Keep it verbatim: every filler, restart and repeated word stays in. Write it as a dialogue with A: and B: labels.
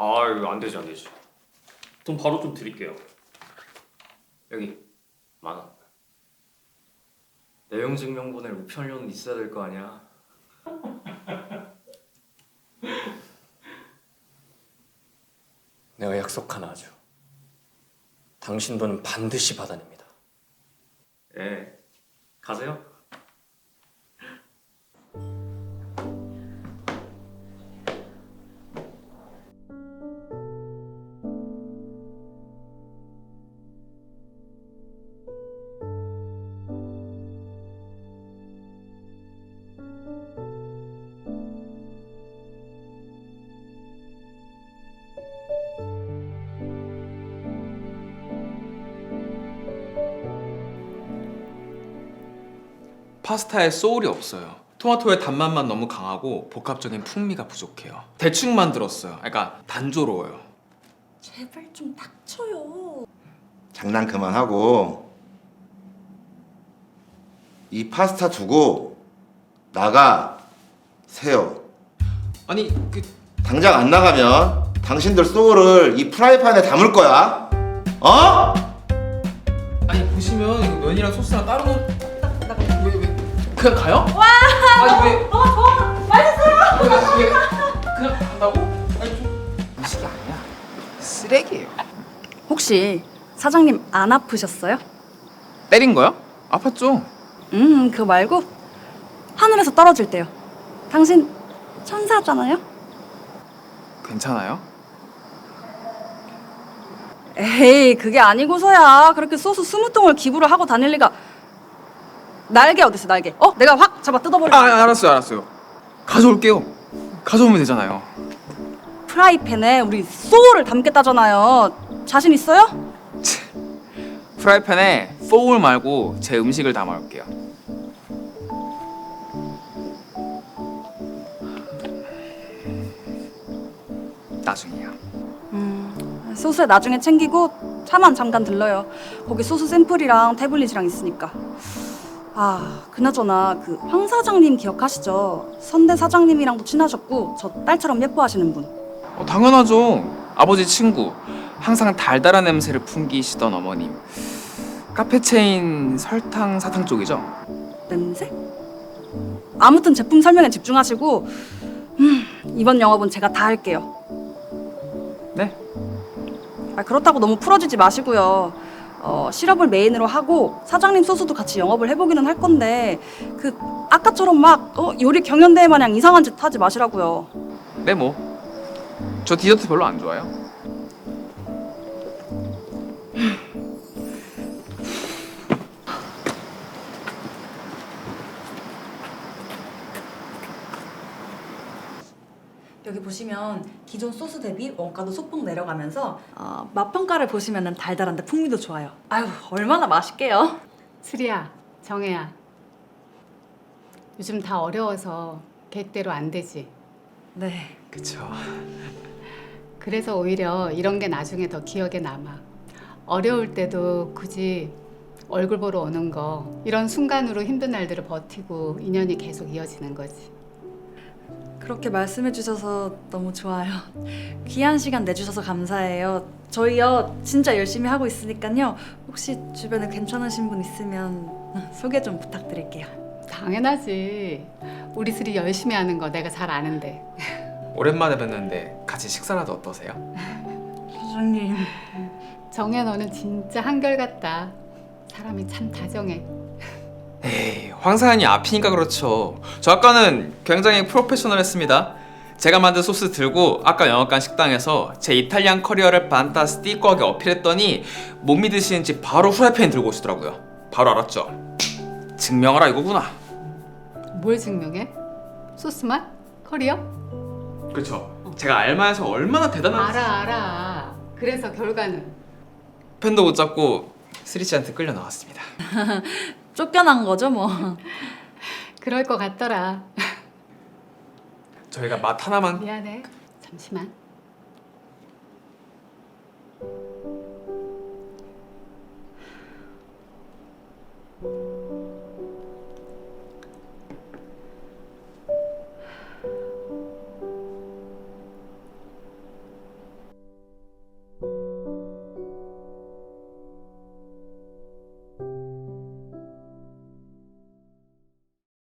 A: 아 이거 안 되지 안 되지. 돈 바로 좀 드릴게요. 여기 만 원. 내용 증명본에 우편료는 있어야 될 거 아니야. 내가 약속 하나 하죠. 당신 돈은 반드시 받아냅니다. 예, 가세요.
B: 파스타에 소울이 없어요. 토마토의 단맛만 너무 강하고 복합적인 풍미가 부족해요. 대충 만들었어요. 그러니까 단조로워요.
C: 제발 좀 닥쳐요.
D: 장난 그만하고 이 파스타 두고 나가세요.
B: 아니 그
D: 당장 안 나가면 당신들 소울을 이 프라이팬에 담을 거야. 어?
B: 아니 보시면 이거 면이랑 소스랑 따로 놓은
C: 나가.
B: 왜 왜? 그냥 가요?
C: 와,
B: 아니 왜?
C: 너무 좋아. 맛있어요.
B: 왜, 왜, 그냥 간다고? 아니 좀 음식이 아니야. 쓰레기예요.
C: 혹시 사장님 안 아프셨어요?
B: 때린 거요? 아팠죠?
C: 음, 그거 말고 하늘에서 떨어질 때요. 당신 천사잖아요?
B: 괜찮아요?
C: 에이, 그게 아니고서야 그렇게 소스 스무 통을 기부를 하고 다닐 리가. 날개 어딨어, 날개? 어? 내가 확 잡아 뜯어버릴게.
B: 아 알았어요 알았어요. 가져올게요. 가져오면 되잖아요.
C: 프라이팬에 우리 소울을 담겠다잖아요. 자신 있어요?
B: 프라이팬에 소울 말고 제 음식을 담아올게요. 나중이야.
C: 음, 소스 나중에 챙기고 차만 잠깐 들러요. 거기 소스 샘플이랑 태블릿이랑 있으니까. 아, 그나저나 그 황 사장님 기억하시죠? 선대 사장님이랑도 친하셨고 저 딸처럼 예뻐하시는 분.
B: 어, 당연하죠. 아버지 친구. 항상 달달한 냄새를 풍기시던 어머님. 카페 체인 설탕 사탕 쪽이죠?
C: 냄새? 아무튼 제품 설명에 집중하시고 음, 이번 영업은 제가 다 할게요.
B: 네.
C: 아, 그렇다고 너무 풀어지지 마시고요. 어, 시럽을 메인으로 하고 사장님 소스도 같이 영업을 해보기는 할 건데 그 아까처럼 막 어, 요리 경연대회 마냥 이상한 짓 하지 마시라고요.
B: 네 뭐. 저 디저트 별로 안 좋아해요.
C: 여기 보시면 기존 소스 대비 원가도 소폭 내려가면서 어, 맛 평가를 보시면은 달달한데 풍미도 좋아요. 아유, 얼마나 맛있게요.
E: 수리야, 정혜야. 요즘 다 어려워서 계획대로 안 되지.
C: 네.
B: 그쵸.
E: 그래서 오히려 이런 게 나중에 더 기억에 남아. 어려울 때도 굳이 얼굴 보러 오는 거, 이런 순간으로 힘든 날들을 버티고 인연이 계속 이어지는 거지.
C: 그렇게 말씀해 주셔서 너무 좋아요. 귀한 시간 내주셔서 감사해요. 저희요 진짜 열심히 하고 있으니까요. 혹시 주변에 괜찮으신 분 있으면 소개 좀 부탁드릴게요.
E: 당연하지. 우리 둘이 열심히 하는 거 내가 잘 아는데.
B: 오랜만에 뵀는데 같이 식사라도 어떠세요?
C: 사장님.
E: 정혜 너는 진짜 한결같다. 사람이 참 다정해.
B: 에이, 황사연이 앞이니까 그렇죠. 저 아까는 굉장히 프로페셔널했습니다. 제가 만든 소스 들고 아까 영업관 식당에서 제 이탈리안 커리어를 판타스티코하게 어필했더니 못 믿으시는지 바로 후라이팬 들고 오시더라고요. 바로 알았죠. 증명하라 이거구나.
E: 뭘 증명해? 소스 맛? 커리어?
B: 그렇죠. 제가 알마에서 얼마나 대단한
E: 알아 알아. 그래서 결과는?
B: 팬도 못 잡고 스리씨한테 끌려 나왔습니다.
C: 쫓겨난 거죠 뭐.
E: 그럴 것 같더라.
B: 저희가 맛 하나만
E: 미안해. 잠시만.